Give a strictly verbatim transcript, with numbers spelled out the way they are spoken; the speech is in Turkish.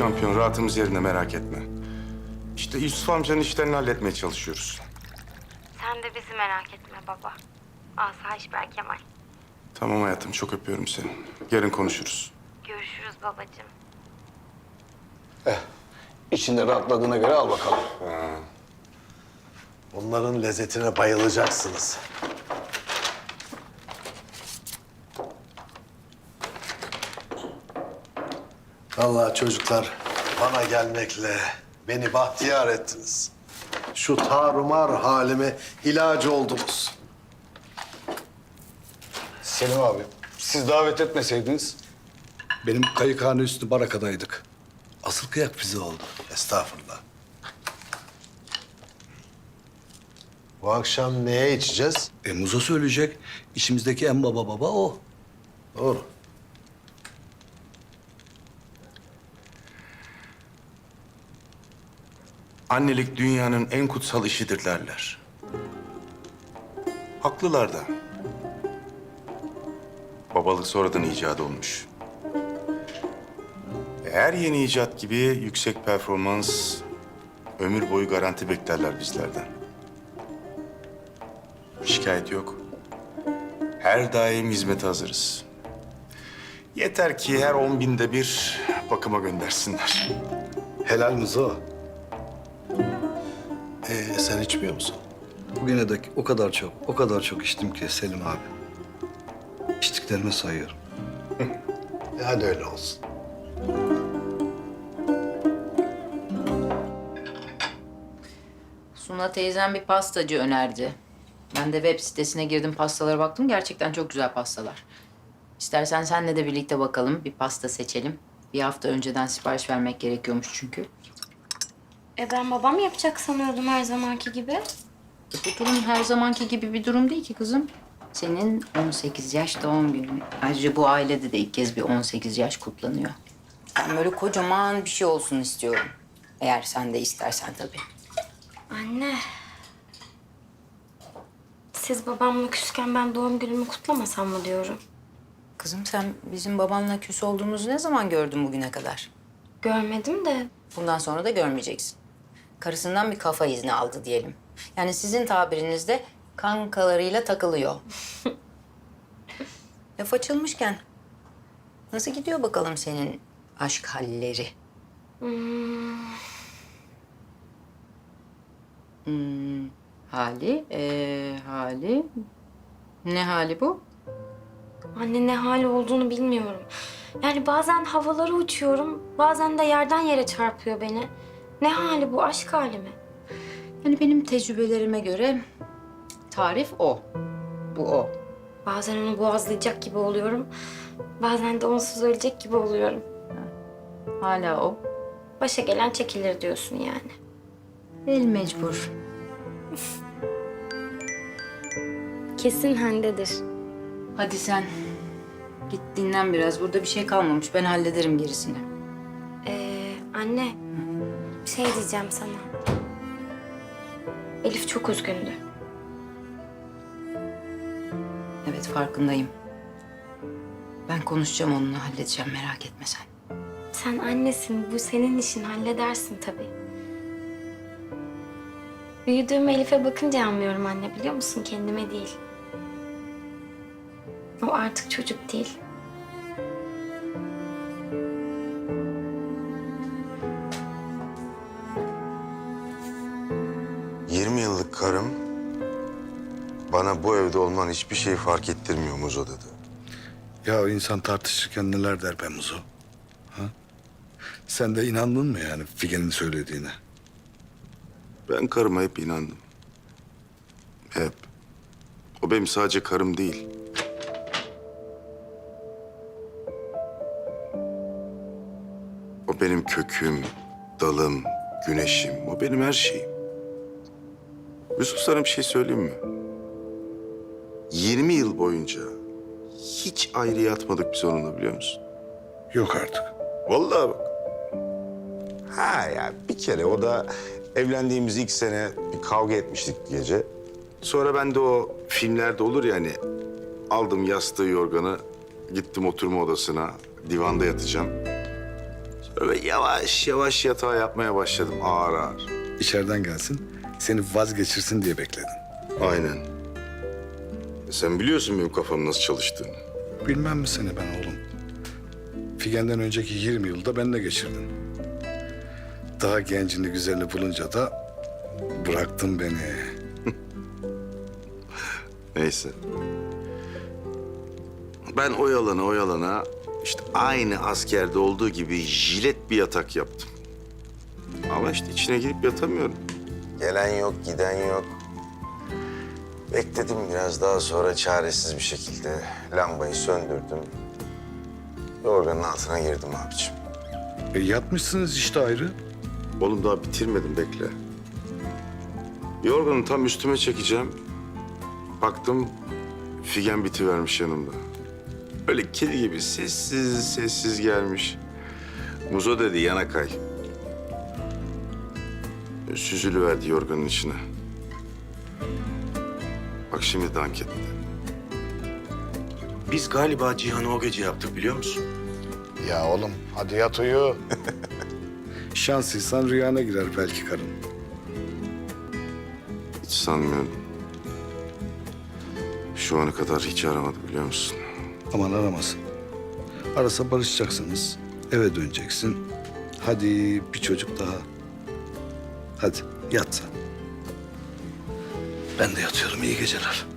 şampiyon, rahatımız yerinde, merak etme. İşte Yusuf amcanın işlerini halletmeye çalışıyoruz. Sen de bizi merak etme baba. Asayiş Berkemal. Tamam hayatım, çok öpüyorum seni. Yarın konuşuruz. Görüşürüz babacığım. İçinde rahatladığına göre al bakalım. Onların lezzetine bayılacaksınız. Vallahi çocuklar bana gelmekle beni bahtiyar ettiniz. Şu tarumar halime ilacı oldunuz. Selim abi, siz davet etmeseydiniz. Benim kayıkhane üstü barakadaydık. Asıl kıyak bize oldu. Estağfurullah. Bu akşam neye içeceğiz? E Muzo söyleyecek. İçimizdeki en baba baba o. Doğru. Annelik dünyanın en kutsal işidir derler. Haklılar da. Babalık sonradan icat olmuş. Her yeni icat gibi yüksek performans, ömür boyu garanti beklerler bizlerden. Şikayet yok. Her daim hizmete hazırız. Yeter ki her on binde bir bakıma göndersinler. Helal Muzo. Ee, sen içmiyor musun? Bugüne dek o kadar çok, o kadar çok içtim ki Selim abi. İçtiklerimi sayıyorum. E, hadi öyle olsun. Suna teyzem bir pastacı önerdi. Ben de web sitesine girdim, pastalara baktım. Gerçekten çok güzel pastalar. İstersen senle de birlikte bakalım, bir pasta seçelim. Bir hafta önceden sipariş vermek gerekiyormuş çünkü. E ben babam yapacak sanıyordum her zamanki gibi. E bu durum her zamanki gibi bir durum değil ki kızım. Senin on sekiz yaş doğum günün. Ayrıca bu ailede de ilk kez bir on sekiz yaş kutlanıyor. Ben böyle kocaman bir şey olsun istiyorum. Eğer sen de istersen tabii. Anne. Siz babamla küsken ben doğum günümü kutlamasam mı diyorum. Kızım sen bizim babanla küs olduğumuzu ne zaman gördün bugüne kadar? Görmedim de. Bundan sonra da görmeyeceksin. Karısından bir kafa izni aldı diyelim. Yani sizin tabirinizde kankalarıyla takılıyor. Laf açılmışken nasıl gidiyor bakalım senin aşk halleri? Hmm, Hmm, hali, ee, hali. Ne hali bu? anne ne hali olduğunu bilmiyorum. Yani bazen havalara uçuyorum, bazen de yerden yere çarpıyor beni. Ne hali bu, aşk hali mi? Yani benim tecrübelerime göre tarif o. Bu o. Bazen onu boğazlayacak gibi oluyorum. Bazen de onsuz ölecek gibi oluyorum. Hala o. Başa gelen çekilir diyorsun yani. El mecbur. Kesin Hande'dir. Hadi sen git dinlen biraz. Burada bir şey kalmamış. Ben hallederim gerisini. Ee, anne, bir şey diyeceğim sana. Elif çok üzgündü. Evet farkındayım. Ben konuşacağım onunla, halledeceğim, merak etme sen. Sen annesin, bu senin işin, halledersin tabii. Büyüdüğüm Elif'e bakınca anlıyorum anne, biliyor musun? Kendime değil. O artık çocuk değil. yirmi yıllık karım bana bu evde olman hiçbir şey fark ettirmiyor Muzo dedi. Ya insan tartışırken neler der be Muzo? Ha? Sen de inandın mı yani Figen'in söylediğine? Ben karıma hep inandım. Hep. O benim sadece karım değil. O benim köküm, dalım, güneşim. O benim her şeyim. Yusuf, sana bir şey söyleyeyim mi? yirmi yıl boyunca hiç ayrı yatmadık biz onunla, biliyor musun? Yok artık. Vallahi bak. Ha ya bir kere o da evlendiğimiz ilk sene bir kavga etmiştik gece. Sonra ben de o filmlerde olur ya hani, aldım yastığı yorganı, gittim oturma odasına, divanda yatacağım. Böyle yavaş yavaş yatağa yapmaya başladım ağır ağır. İçeriden gelsin, seni vazgeçirsin diye bekledin. Aynen. E sen biliyorsun benim kafamın nasıl çalıştığını. Bilmem mi seni ben oğlum? Figen'den önceki yirmi yılda benimle geçirdin. Daha gencini güzelini bulunca da bıraktın beni. Neyse. Ben oyalana oyalana işte aynı askerde olduğu gibi jilet bir yatak yaptım. Ama işte içine girip yatamıyorum. Gelen yok, giden yok. Bekledim biraz, daha sonra çaresiz bir şekilde lambayı söndürdüm. Yorganın altına girdim abiciğim. E yatmışsınız işte ayrı. Oğlum daha bitirmedim, bekle. Yorganı tam üstüme çekeceğim. Baktım Figen bitivermiş yanımda. Öyle kedi gibi sessiz sessiz gelmiş. Muzo dedi yana kay. Süzülüverdi yorganın içine. Bak şimdi dank etti. Biz galiba Cihan'ı o gece yaptık biliyor musun? Ya oğlum hadi yat uyu. Şanslıysan rüyana girer belki karın. Hiç sanmıyorum. Şu ana kadar hiç aramadı biliyor musun? Aman aramasın. Arasa barışacaksınız. Eve döneceksin. Hadi bir çocuk daha. Hadi yat sen. Ben de yatıyorum. İyi geceler.